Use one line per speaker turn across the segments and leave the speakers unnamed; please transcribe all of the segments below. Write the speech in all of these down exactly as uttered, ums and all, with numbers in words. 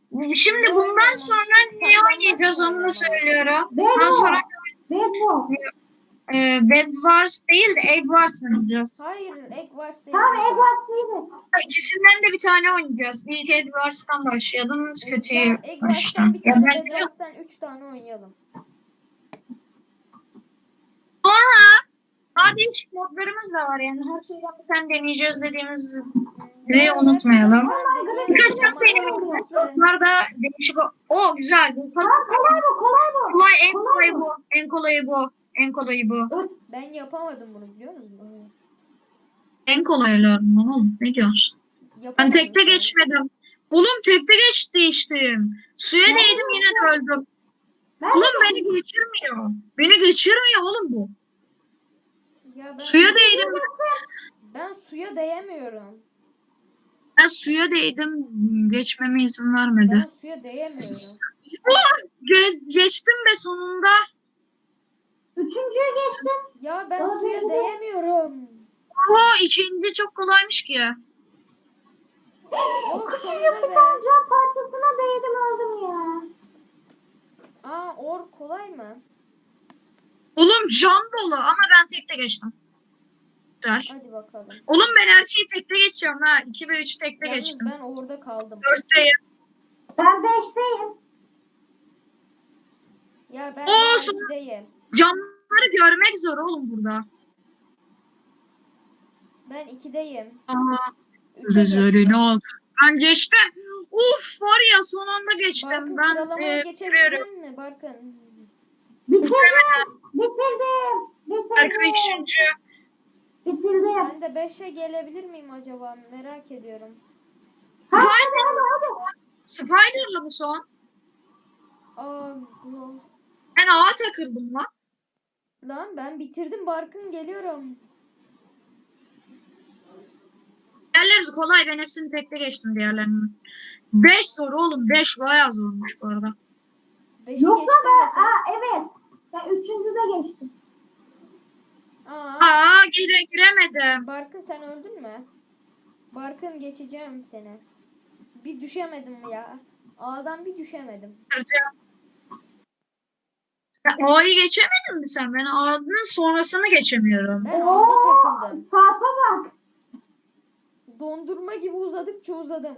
Şimdi bundan sonra ne oynayacağız onu da söylüyorum.
Bed
Ondan sonra
Wars. Bed Wars.
e, Bed Wars değil de Egg Wars oynayacağız.
Hayır, Egg Wars değil.
Tamam
Egg
Egg Wars değildi.
İkisinden de bir tane oynayacağız. İlk Egg Wars'tan başlayalım. Kötüye
Tamam, Egg
baştan.
Wars'tan bir
Ya
tane,
ben
Bed
seviyorum.
Wars'tan üç tane oynayalım.
Sonra daha değişik modlarımız da var yani. Her şeyden bir tane deneyeceğiz dediğimizi
Ya,
unutmayalım.
her şeyden bir tane
Birkaç
deneyelim
çok benim
ama
modlar
kısıtlı.
da değişik. o- O güzel. Bu
Tamam kolay bu kolay bu.
kolay, en
Kolay
kolayı
bu.
bu. En kolayı bu. En kolayı bu.
Ben yapamadım bunu, biliyor musun?
En kolaylarından oğlum. Ne diyorsun? Ben
Yapamadım
tekte
yani.
geçmedim. Oğlum tekte geçti içtim. Suya
Ben
değdim
de
yine de öldüm.
Ben
Oğlum
de
beni geçirmiyor. Beni geçirmiyor oğlum bu.
Ya ben,
Suya değdim.
ben suya değemiyorum.
Ben suya değdim. Geçmeme izin vermedi.
Ben suya değemiyorum.
Oh, ge- geçtim be sonunda.
üçüncüye geçtim.
Ya ben
Aa,
suya
ben de-
değemiyorum.
Oo, ikinci çok kolaymış ki.
Oh,
Küçücük
sonunda
bir
be.
tane cam parçasına değdim öldüm ya.
Aa, or kolay mı?
Oğlum cam dolu ama ben tekte geçtim. Güzel.
Hadi bakalım.
Oğlum ben her şeyi tekte geçiyorum ha. iki ve üç tekte
Yalnız
geçtim.
ben orada kaldım.
dörtteyim.
Ben beşteyim.
Ya ben
Oo,
daha
sonra-
ikideyim.
Camları görmek zor oğlum burada.
Ben ikideyim.
Aha.
Üçe
Üzerine
geçtim.
al. Ben geçtim. Uf var ya son anda geçtim.
Barkın,
ben
sıralamaya
e,
geçebilecek
bitiriyorum.
misin Barkın?
Bitirdim. Bitirdim.
Arka
Bitirdim.
üçüncü.
Bitirdim.
Ben de beşe gelebilir miyim acaba? Merak ediyorum.
Sen hadi hadi hadi.
Spider'lı bu son.
Aa, bu-
Ben ağa takıldım lan.
lan ben bitirdim Barkın, geliyorum.
Diğerleri kolay. Ben hepsini tekte geçtim diğerlerini. beş zor oğlum. beş bayağı zormuş bu arada.
Beşi
Yoksa
geçtim
ben,
de sen.
aa, evet. Ben üçüncüde geçtim.
Aa,
Aa gire giremedim.
Barkın sen öldün mü? Barkın, geçeceğim seni. Bir düşemedim ya. A'dan bir düşemedim.
Sen A'yı geçemedin mi sen? Ben A'nın sonrasını geçemiyorum.
Ben
Oo,
A'da takıldım.
saate bak.
Dondurma gibi uzadıkça uzadım.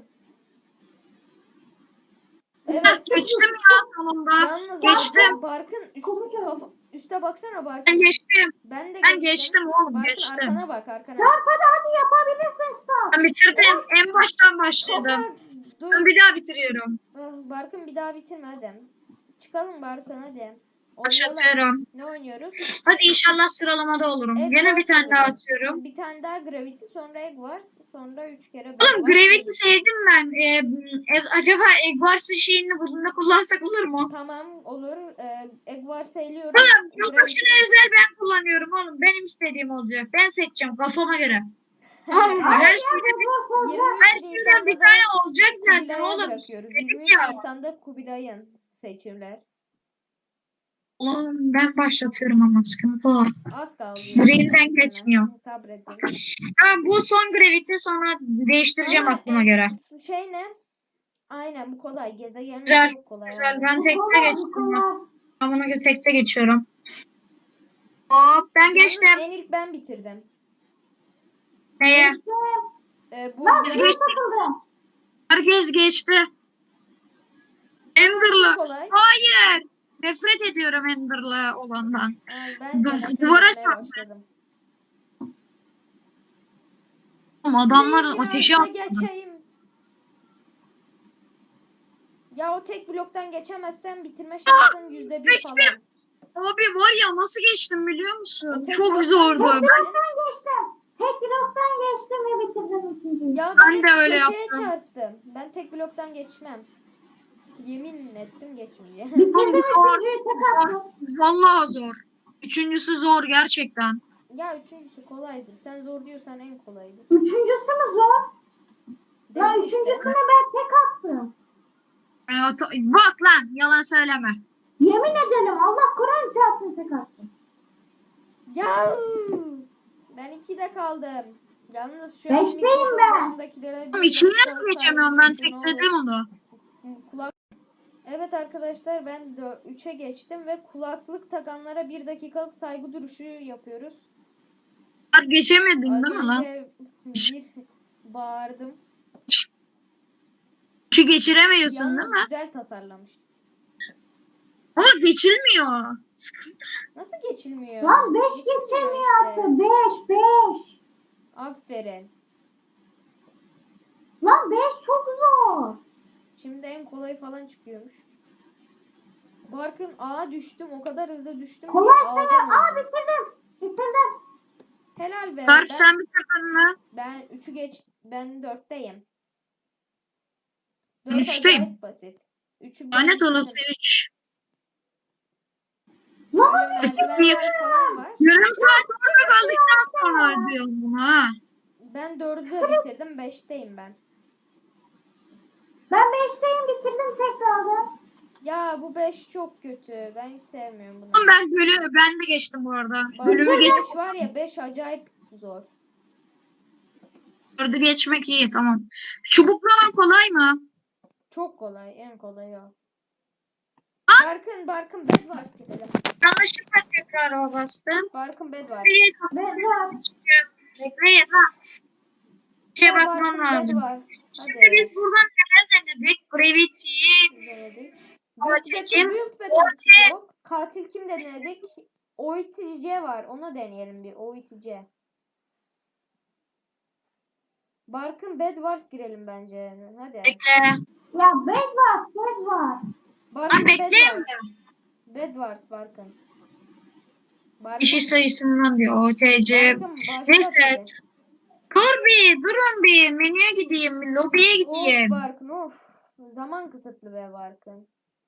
Evet.
Geçtim ya sonunda.
Yalnız
Geçtim.
Barkın üst,
Komik oldu.
kafa, üste baksana Barkın.
Ben geçtim.
Ben de
Ben geçtim oğlum,
Barkın
geçtim.
arkana bak, arkana.
Sarp hadi hadi yapabilirsin Sarp.
Ben bitirdim. En baştan başladım.
Toprak, dur.
Ben bir daha bitiriyorum.
Ah, Barkın bir daha bitirme hadi. Çıkalım Barkın hadi. Oynayalım.
Başlatıyorum.
Ne oynuyoruz?
Hadi inşallah sıralamada olurum.
Egg
Yine bir
Wars
tane daha
oynayalım.
atıyorum.
Bir tane daha Gravity, sonra Egg Wars, sonra üç kere Bed
Oğlum
Wars.
Gravity sevdim ben. Ee, e- acaba Egg Wars'ın şeyini bunda kullansak olur mu?
Tamam, olur. Ee, Egg Wars eliyorum.
Tamam.
Gravity-
Yılbaşına özel ben kullanıyorum oğlum. Benim istediğim olacak. Ben seçeceğim kafama göre. Tamam mı?
Hayır
Her
ya
şeyden,
bu boş olacak.
her
yirmi üç
şeyden bir
Nisan'da
tane
da
olacak zaten
Kubilay'a
oğlum.
bırakıyoruz.
Dedim
yirmi üç
ya.
Nisan'da Kubilay'ın seçimler.
Oğlum ben başlatıyorum ama sıkıntı o.
Az kaldı.
Brain'den geçmiyor.
Sabredin.
Ha, bu son Gravity sonra değiştireceğim
Ama,
aklıma
e,
göre.
Şey ne? Aynen, bu kolay. Gezegenler
Güzel,
çok kolay.
Güzel
abi.
ben
Bu
tekte
kolay, bu
geçtim.
kolay.
Ben buna göre tekte geçiyorum. Hop ben
Yalnız
geçtim.
en ilk ben bitirdim.
Neye?
Geçtim.
Ee, bu
Lan
biraz
şuraya takıldım.
Herkes geçti. Ender'lı.
kolay.
Hayır. Nefret ediyorum Ender'lı olandan.
Ay, ben de
Du-
nefret
duvara
etmeye
çarptı.
başladım.
Oğlum adamların
Biraz
ateşi
da
attı.
geçeyim. Ya o tek bloktan geçemezsen bitirme şansın yüzde bir
geçtim.
falan.
Abi var ya nasıl geçtim biliyor musun?
O tek
Çok
bloktan
zordu.
geçtin.
Bloktan geçtim. Tek bloktan geçtim ve bitirdim ikinciyi.
Ya
Ben
ben,
de öyle
köşeye
yaptım.
çarptım. Ben tek bloktan geçmem. Yemin ettim geçmeyeceğim.
Bitirdim
Zor.
ikinciyi tek attım.
Vallahi zor. Üçüncüsü zor gerçekten.
Ya üçüncüsü kolaydır. Sen zor diyorsan en kolaydır.
Üçüncüsü mü zor? Ya
Dedim işte.
üçüncüsünü ben tek attım.
Ben ata- Bak lan yalan söyleme.
Yemin ederim Allah Kur'an çarpsın tek attım.
Ya ben ikide kaldım. Yalnız şu
Beşteyim
mikrofon
ben.
başındakilere
Oğlum
bir
ikiyi
dakika
nasıl geçemiyorum ben
saygı duyun, ne olur.
tekledim onu.
Kulak. Evet arkadaşlar ben üçe geçtim ve kulaklık takanlara bir dakikalık saygı duruşu yapıyoruz.
Sarp geçemedin
Az
değil mi lan?
önce bir bağırdım.
Şu geçiremiyorsun değil
Yalnız
mi?
güzel tasarlamış.
Ama geçilmiyor. Sıkıntı.
Nasıl geçilmiyor?
Lan beş
Geçilmiyor
geçemiyor
işte.
Aslı. beş beş.
Aferin.
Lan beş çok zor.
Şimdi en kolay falan çıkıyormuş. Barkın ağa düştüm. O kadar hızlı düştüm ki
Kolay
ağdan
sayı. Aa
öldüm.
bitirdim. Bitirdim.
Helal be.
Sarp
ben,
sen bitirdin mi?
ben üçü geç. Ben dörtteyim.
Ben
Dört
üçteyim.
acayip basit. Üçü ben
Lanet olası
bitirdim.
üç.
Lan
Böyle merdivenler falan var.
Yarım saat orada kaldıktan sonra ödüyorum bunu ha.
Ben dördü de bitirdim. Beşteyim ben.
ben beşteyim bitirdim tekrardan.
Ya bu beş çok kötü. Ben hiç sevmiyorum bunu.
Oğlum ben bölümü ben de geçtim bu arada. Bölümü
Bölümü
geç,
beş var ya beş acayip zor.
dördü geçmek iyi tamam. Çubuklama kolay mı?
Çok kolay. En kolay o. Barkın Barkın bed var gidelim.
Yanlışlıkla tekrar o bastım.
Barkın bed var.
Bekleyin
Ben
Bekleyin ha. Bir şeye
Ya
bakmam
Barkın bed
lazım.
var.
Şimdi
Hadi.
biz buradan neler denedik? Gravity'yi,
Denedik.
Ama
Gökçe
çekim,
Build Battle yok. Katil kim denedik? O I T C var. Onu deneyelim bir. O I T C. Barkın Bed Wars girelim bence. Hadi.
bekle.
Ya bed var, bed var.
Barkın
Lan
Bed
bekleyeyim mi?
Wars. Bed Wars Barkın. Barkın.
Kişi sayısından diyor. O T C.
Barkın başlat
Neyse.
hadi.
Dur bir, durun bir. Menüye gideyim, bir lobiye
Of
gideyim.
Barkın of. Zaman kısıtlı be Barkın.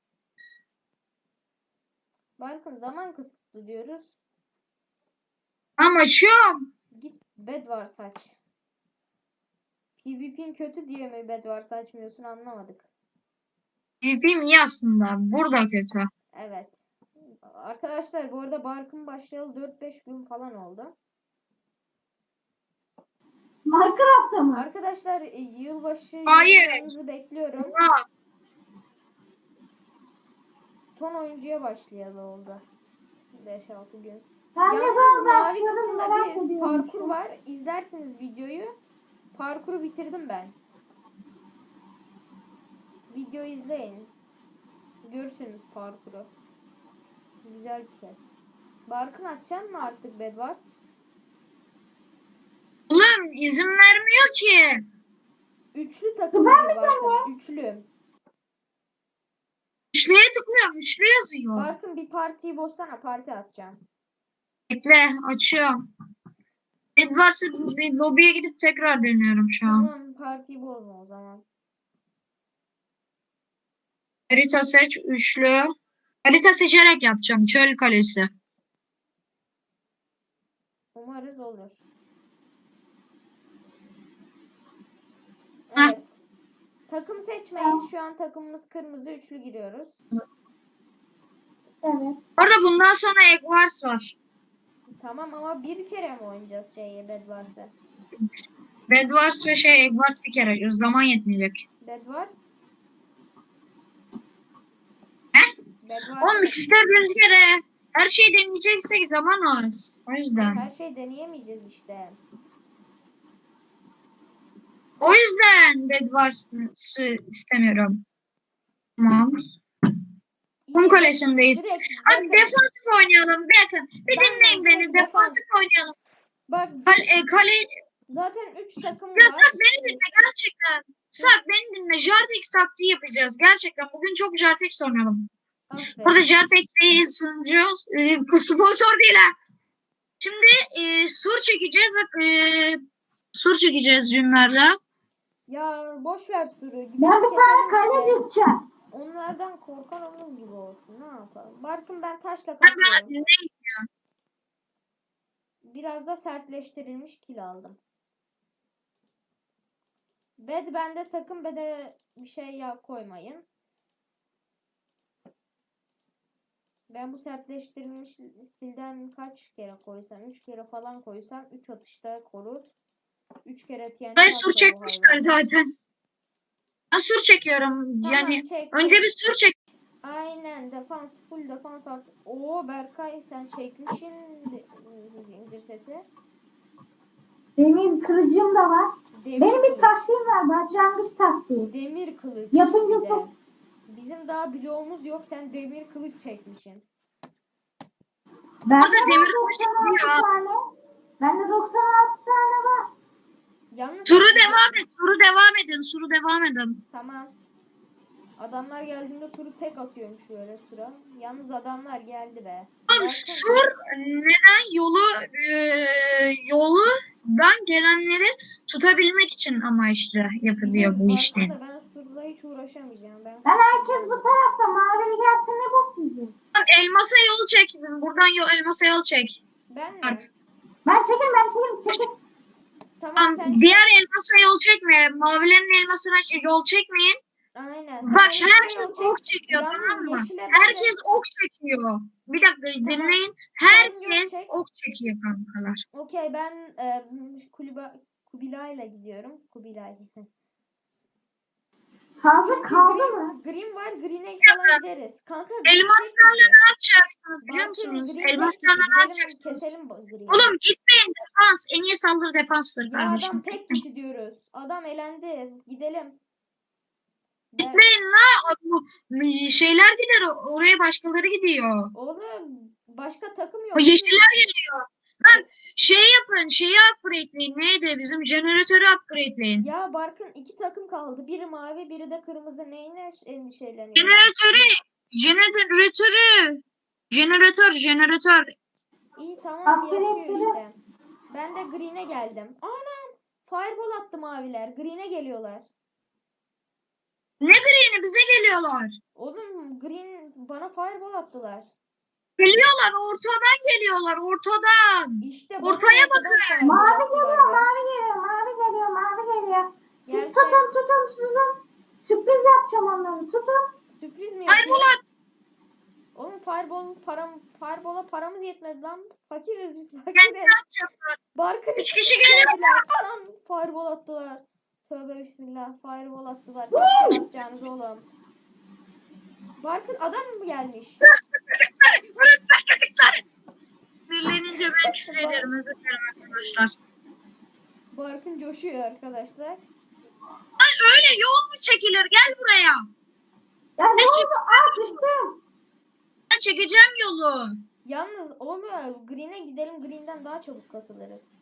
Barkın zaman kısıtlı diyoruz.
Tamam açıyorum.
Git Bed Wars aç. PvP'in kötü diye mi Bed Wars açmıyorsun anlamadık.
P V P'm iyi aslında. Burada kötü.
Evet. Arkadaşlar bu arada Barkın başlayalı dört beş gün falan oldu.
Minecraft'ta mı?
Arkadaşlar e, yılbaşı
Hayır.
yorumlarınızı bekliyorum.
Ya,
Son oyuncuya başlayalı oldu. beş altı gün.
Ben ne
Yalnız
zaman
mavi
başladım
kısımda
merak
bir
ediyorum.
parkur var. İzlersiniz videoyu. Parkuru bitirdim ben. Video izleyin. Görürsünüz parkuru. Güzel bir şey. Barkın açacaksın mı artık Bed Wars?
oğlum izin vermiyor ki.
Üçlü takım
Ben
gibi Barkın. Üçlü.
Üçlüye tıklıyorum. Üçlü yazıyor.
Barkın bir partiyi bozsana. Parti atacağım.
Bekle açıyorum. Edwards'a bir lobiye gidip tekrar dönüyorum şu an.
Tamam partiyi bozma o zaman.
Harita seç. Üçlü. Harita seçerek yapacağım. Çöl kalesi.
Umarız olur.
Heh.
Evet. Takım seçmeyin. Şu an takımımız kırmızı üçlü giriyoruz.
Evet.
Orada bundan sonra Edwards var.
Tamam ama bir kere mi oynayacağız şeyi Bed Wars'ı?
Edwards ve şey Edwards bir kere. Zaman yetmeyecek.
Bed Wars?
Heh?
Bed Wars.
Oğlum işte bir kere. Her şeyi deneyeceksek zaman az. O yüzden.
Her şey deneyemeyeceğiz işte.
O yüzden Edwards'ı istemiyorum. Tamam. Kum kalesindeyiz.
Direkt
Hadi
bakın.
defansif oynayalım. Bakın. Bir
Ben
dinleyin
de
beni.
direkt
Defansif oynayalım.
Bak
Kale, e, kale...
zaten üç takım
Ya
var.
Sarp beni dinle gerçekten. Sarp beni dinle. Jartex taktiği yapacağız. Gerçekten. Bugün çok Jartex oynayalım.
Aferin.
Burada Jartex bir sunucu. E, sponsor değil ha. Şimdi e, sur çekeceğiz ve e, sur çekeceğiz cümlerle.
Ya boş ver sürü.
Ben bir tane kale dikeceğim.
Onlardan korkan onun gibi olsun. Ne yapalım? Barkın ben taşla
Ben bana
kapıyorum.
dinleyin.
Biraz da sertleştirilmiş kil aldım. Bed bende sakın bede bir şey ya koymayın. Ben bu sertleştirilmiş kilden kaç kere koysam? üç kere falan koysam üç atışta korur. üç kere T N T
Ben sur
atsa bu
çekmişler
hayvan.
zaten. Ben sur çekiyorum.
Tamam,
Yani
çek,
önce
çek.
bir sur çek.
Aynen, defans full defans artı. Oo Berkay, sen çekmişsin de- zincir seti.
Demir kılıcım da var.
Demir
Benim bir
kılıç.
taktiğim var. Başlangıç taktiği.
Demir kılıç.
Yapınca
bir de.
çok-
Bizim daha bloğumuz yok, sen demir kılıç çekmişsin.
Bende
Orada demir
var
kılıç
doksan altı
çıkıyor.
tane. Bende doksan altı tane var.
Yalnız
Suru devam et. Suru devam edin. Suru devam edin.
Tamam. Adamlar geldiğinde suru tek atıyormuş böyle sura. Yalnız adamlar geldi be.
Oğlum
Barkın-
sur neden yolu e, yoldan gelenleri tutabilmek için amaçlı yapılıyor bu
Barkın
işler.
da ben surla hiç uğraşamayacağım. Ben,
Ben herkes bu tarafta. Mavili gelsin ne bok yiyeceğiz.
Tamam, elmasa yol çek. Buradan yol, elmasa yol çek.
ben mi?
Ben çekin ben çekin çekin.
Tamam,
Tamam,
sen
diğer elmasa yol çekme. Mavilerin elmasına ç- yol çekmeyin.
aynen. Sen
Bak
yeşile
herkes
yol çek.
ok çekiyor,
Yalnız
tamam mı?
yeşile ben de-
Herkes ok çekiyor. Bir dakika dinleyin.
Sen
Herkes
yol çek.
ok çekiyor kankalar.
Okey, ben e, Kuliba, Kubilay'la gidiyorum. Kubilay.
Fazla
Çünkü
kaldı
green,
mı?
green var, green'e falan gideriz. Kanka green tek
Elmaslarla
kişi.
ne yapacaksınız biliyor
Barkın,
musunuz?
green tek
Elmaslarla
kişi.
ne
Gidelim
yapacaksınız?
keselim bu green'i.
Oğlum gitmeyin, defans. En iyi saldırı defanstır
Ya
kardeşim.
adam tek kişi diyoruz. Adam elendi. Gidelim. Ben,
Gitmeyin la. Bu şeyler gider. Oraya başkaları gidiyor.
oğlum başka takım
O
yok.
yeşiller geliyor. Lan şey yapın. Şeyi upgrade'leyin. Neydi? Bizim jeneratörü upgrade'leyin.
Ya Barkın, iki takım kaldı. Biri mavi, biri de kırmızı. Neyine endişeleniyor?
Jeneratörü. Jeneratörü. Jeneratör. Jeneratör.
İyi, tamam,
Upgrade
yapıyor
dedi.
işte. Ben de green'e geldim. Anam! Fireball attı maviler. Green'e geliyorlar.
Ne green'i? Bize geliyorlar.
Oğlum green bana fireball attılar.
Geliyorlar. Ortadan geliyorlar. Ortadan.
İşte bana
Ortaya
ortadan
bakın.
fireball
Mavi
attılar
geliyor
be.
mavi geliyor mavi geliyor mavi geliyor. Siz
Gel
tutun
sen.
tutun tutun. Sürpriz yapacağım onları tutun.
Sürpriz mi
Fireball
yapıyor?
at.
Oğlum fireball param fireball'a paramız yetmedi lan. Fakiriz biz,
Kendi
fakiriz.
atacaklar.
Barkın
Üç kişi geliyor.
geldiler. Anam, fireball attılar. Tövbe bismillah, fireball attılar. Kaç atacağınız oğlum? Barkın, adam mı gelmiş?
Birlenince ben küfür ederim. Özür dilerim arkadaşlar.
Barkın coşuyor arkadaşlar.
Ay öyle yol mu çekilir? Gel buraya.
Ya ne
Ne
oldu? Aa düştüm.
Ben çekeceğim yolu.
Yalnız oluyor. Green'e gidelim. Green'den daha çabuk kasılırız.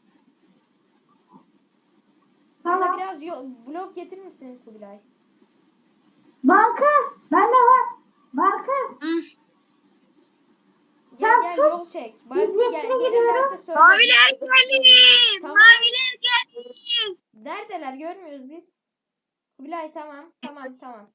Bana
Tamam.
biraz yo- blok getirir misin Kubilay?
Banka. Bende var. Banka.
Hı.
Gel
Sen
gel,
tut.
yol çek. Barkın gel,
yeşile
gelirlerse
gidiyoruz.
söyle.
Maviler geldi.
Tamam.
Maviler geldi.
Neredeler, görmüyoruz biz. Kubilay, tamam tamam tamam.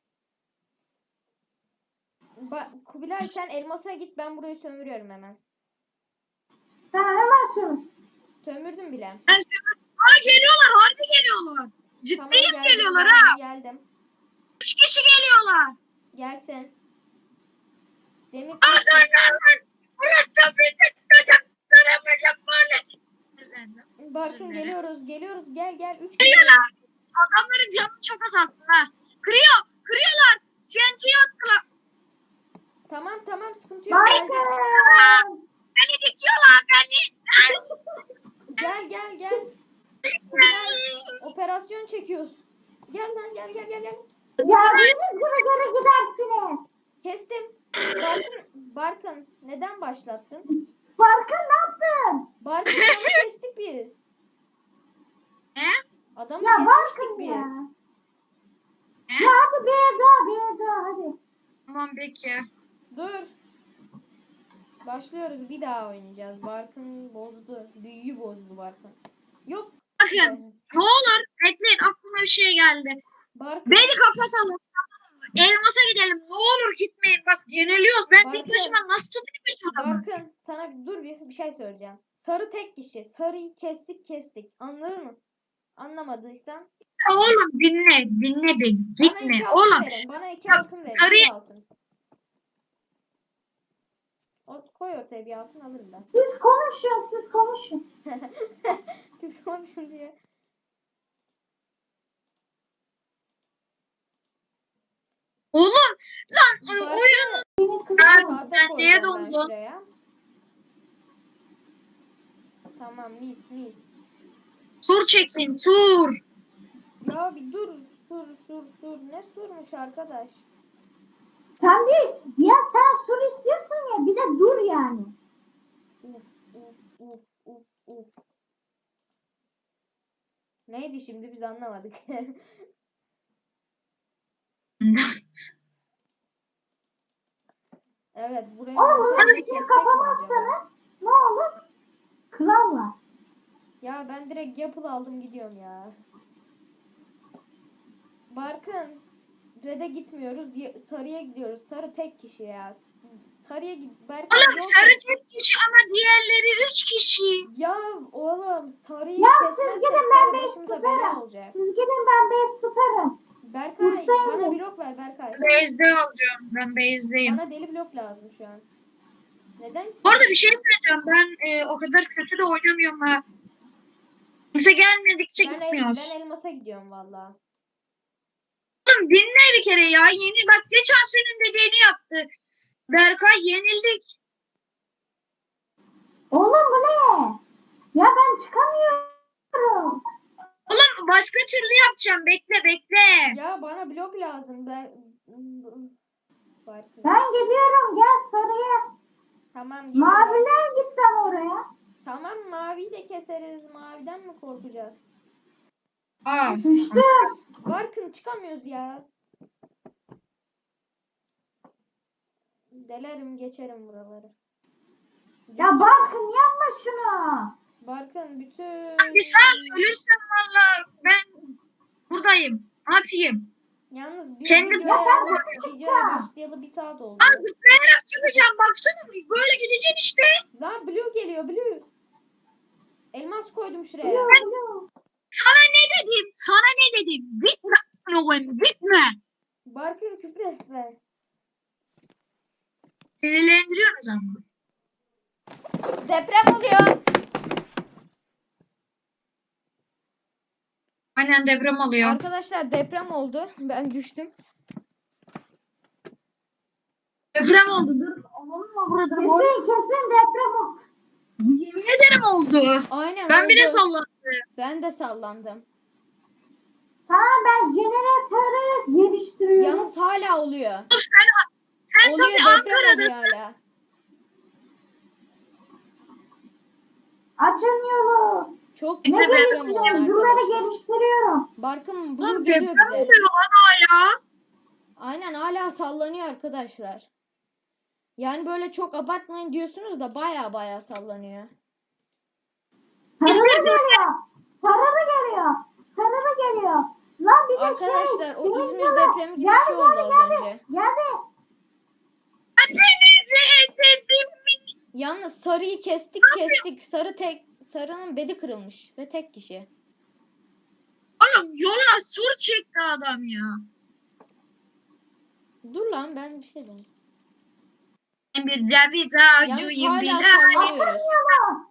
Ba- Kubilay, sen elmasa git, ben burayı sömürüyorum hemen.
Tamam hemen sürün.
Sömürdüm bile.
Ben sana- Aa geliyorlar. Harbi geliyorlar.
Tamam,
Ciddiyim
geldim,
geliyorlar
geldim,
ha.
geldim.
Üç kişi geliyorlar.
Gelsin. Demir
Aa dur dur dur. Burası bizim çocuklarımızın mahallesi.
Barkın, geliyoruz geliyoruz, gel gel. Üç kişi.
Geliyorlar. Adamların canını çok azalttın ha. Kırıyor. Kırıyorlar. T N T attılar.
Tamam tamam, sıkıntı yok. Geldim.
Banka.
Beni dikiyorlar. Beni.
Gel gel gel. Kubilay, operasyon çekiyoruz. Gel lan, gel gel gel gel.
Geldiğiniz gibi geri gidersiniz.
Kestim. Barkın, Barkın neden başlattın?
Banka ne yaptın?
Barkın, adamı kestik biz.
Ne?
Adamı
Ya
kesmiştik
Barkın
biz.
ya. Ya hadi bir daha bir daha hadi.
Tamam peki.
Dur. Başlıyoruz, bir daha oynayacağız. Barkın bozdu. Büyüyü bozdu Barkın. Yok.
Bakın. Ne olur bekleyin, aklıma bir şey geldi.
Barkın.
Beni kapatalım. Tamam mı? Elmas'a gidelim. Ne olur gitmeyin. Bak yeniliyoruz. Ben tek
Barkın.
başıma nasıl tutayım şu adamı?
Barkın, sana dur bir, bir şey söyleyeceğim. Sarı tek kişi. Sarıyı kestik kestik. Anladın mı? Anlamadıysan.
Ya oğlum dinle. Dinle beni.
Bana
Gitme.
iki altın
Oğlum.
verin. Bana iki
Bak,
altın verin.
sarıyı-
Bir altın. O, koy ortaya bir altın, alırım ben.
Siz konuşun siz konuşun.
Siz konuşun diye.
Lan
Barkın,
oyun.
Benim kızım
Abi,
tahta
sen neye
koyacağım ben
dondun?
şuraya. Tamam, mis mis.
Sur çekin sur.
Ya bir dur. Sur sur sur. Ne surmuş arkadaş?
sen bir ya sen sur istiyorsun ya bir de dur yani.
Uf uf uf uf uf. Neydi şimdi biz anlamadık. Evet, buraya
Oğlum
montajı
bunun
kessek
üstünü
mi acaba?
kapamazsanız ne olur? Kral var.
Ya ben direkt Yapıl aldım gidiyorum ya. Barkın, Red'e gitmiyoruz. y- Sarıya gidiyoruz. Sarı tek kişi ya. Sarıya git. Berkay
Oğlum
yol
sarı
kes.
tek kişi ama diğerleri üç kişi.
Ya oğlum sarıyı
Ya siz
kesmezsek
gidin ben
sarı
base
başımıza bela
tutarım.
olacak.
Siz gidin ben base tutarım.
Berkay
Ustayım
bana
ben.
blok ver Berkay.
Base'de alacağım. Ben base'deyim.
Bana deli blok lazım şu an. Neden ki?
Bu arada bir şey söyleyeceğim. Ben e, o kadar kötü de oynamıyorum ha. Kimse gelmedikçe
Ben, el,
gitmiyoruz.
ben elmasa gidiyorum valla.
Oğlum dinle bir kere ya. Yeni bak geçen senin dediğini yaptı. Berkay yenildik.
Oğlum bu ne? Ya ben çıkamıyorum.
Oğlum başka türlü yapacağım. Bekle bekle.
Ya bana blok lazım. Ben Barkın.
Ben gidiyorum gel sarıya.
Tamam gidiyorum.
Maviler gittim oraya.
Tamam maviyi de keseriz. Maviden mi korkacağız?
Aa.
Düştüm.
Barkın çıkamıyoruz ya. Delerim geçerim buraları.
Ya Barkın yapma şunu.
Barkın bütün...
Bir sağ ölürsem valla ben buradayım. Ne yapayım?
Yalnız biz
Kendi-
videoya,
Ya ben nasıl
videoya
çıkacağım?
başlayalı bir saat oldu.
Aa, zıplayarak çıkacağım. Baksana böyle gideceğim işte.
Lan blue geliyor blue. Elmas koydum şuraya.
Blue, blue.
Sana ne dedim? Sana ne dedim? Gitme. Oğlum gitme.
Barkın küfür etme.
Sinirlendiriyoruz ama.
Deprem oluyor.
Aynen deprem oluyor.
Arkadaşlar deprem oldu. Ben düştüm.
Deprem oldu. Dur. Olur mu burada?
Kesin kesin deprem oldu.
Yemin ederim oldu.
Aynen
Ben
oldu.
bile sallandım.
Ben de sallandım.
Tamam ben jeneratörü geliştiriyorum.
Yalnız hala oluyor.
Oğlum sen, sen
Oluyor
tabii
deprem oluyor
Ankara'dasın.
hala.
Açın yolu.
Çok
Ne
Neyse,
güzel
ben-
deprem oldu
geliştiriyorum? Bunları
arkadaşlar.
geliştiriyorum.
Barkın blue
Oğlum
geliyor
deprem
bize.
oluyor ana ya.
Aynen hala sallanıyor arkadaşlar. Yani böyle çok abartmayın diyorsunuz da baya baya sallanıyor.
Sarılı geliyor. Sarılı geliyor. Sarılı geliyor. Lan bir de
Arkadaşlar
şey.
o İzmir
Benimle-
depremi gibi bir
Geldi,
şey oldu
geldi,
az
geldi.
önce.
Geldi.
Hepinizi dedim.
Yalnız sarıyı kestik kestik. Sarı tek sarının bedi kırılmış ve tek kişi.
Oğlum yola sur çekti adam ya.
Dur lan ben bir şey diyeyim.
Bir ceviz
Yalnız
ağacıyım
hala
bile.
sallanıyoruz.
Yolu.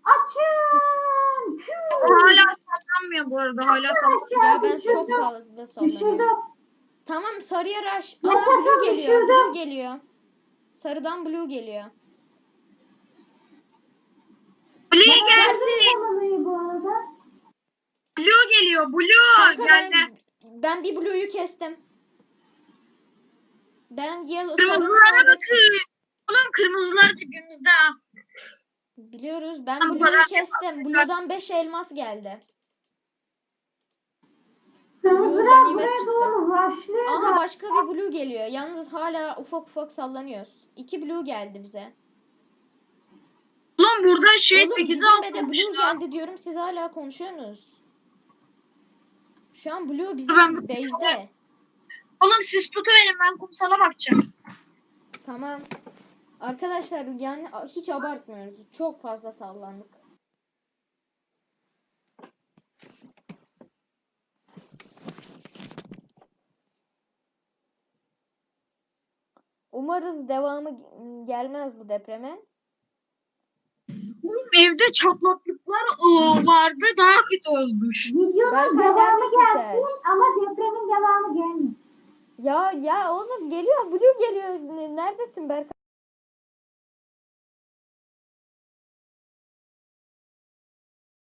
Açın. Püh.
Hala sallanmıyor bu arada. Hala sallanmıyor.
Ya ben
Düşürdüm.
çok fazla sallanıyorum.
Düşürdüm.
Tamam sarıya rush. Aa
Yaşasın,
blue geliyor.
düşürdüm.
Blue geliyor. Sarıdan blue geliyor.
Blue
Ben
gelsin.
aldım sarılıyı bu arada.
Blue geliyor. Blue
Kanka
geldi.
ben, ben bir blue'yu kestim. Ben yellow sarının
Kırmızılara
orada-
bakın. Oğlum kırmızılar dibimizde ha.
Biliyoruz. Ben
Tamam,
blue'yu
bana-
kestim. Blue'dan beş elmas geldi.
Kırmızılar
ganimet
buraya
çıktı.
doğru rushlıyor.
Ama başka bir blue geliyor. Yalnız hala ufak ufak sallanıyoruz. İki blue geldi bize.
Oğlum burada şey
Oğlum
sekiz
bizim
altı
de
olmuş
blue
lan.
geldi diyorum. Siz hala konuşuyorsunuz. Şu an blue bizim
Ben-
base'de.
Oğlum siz tutuverin ben kumsala bakacağım.
Tamam. Arkadaşlar yani hiç abartmıyoruz. Çok fazla sallandık. Umarız devamı gelmez bu depreme.
Oğlum evde çatlaklıklar ıı, vardı daha kötü olmuş.
Videonun
Berkay,
devamı
neredesin sen?
gelsin ama depremin devamı gelmesin.
Ya ya oğlum geliyor. Blue geliyor. Neredesin Berkay?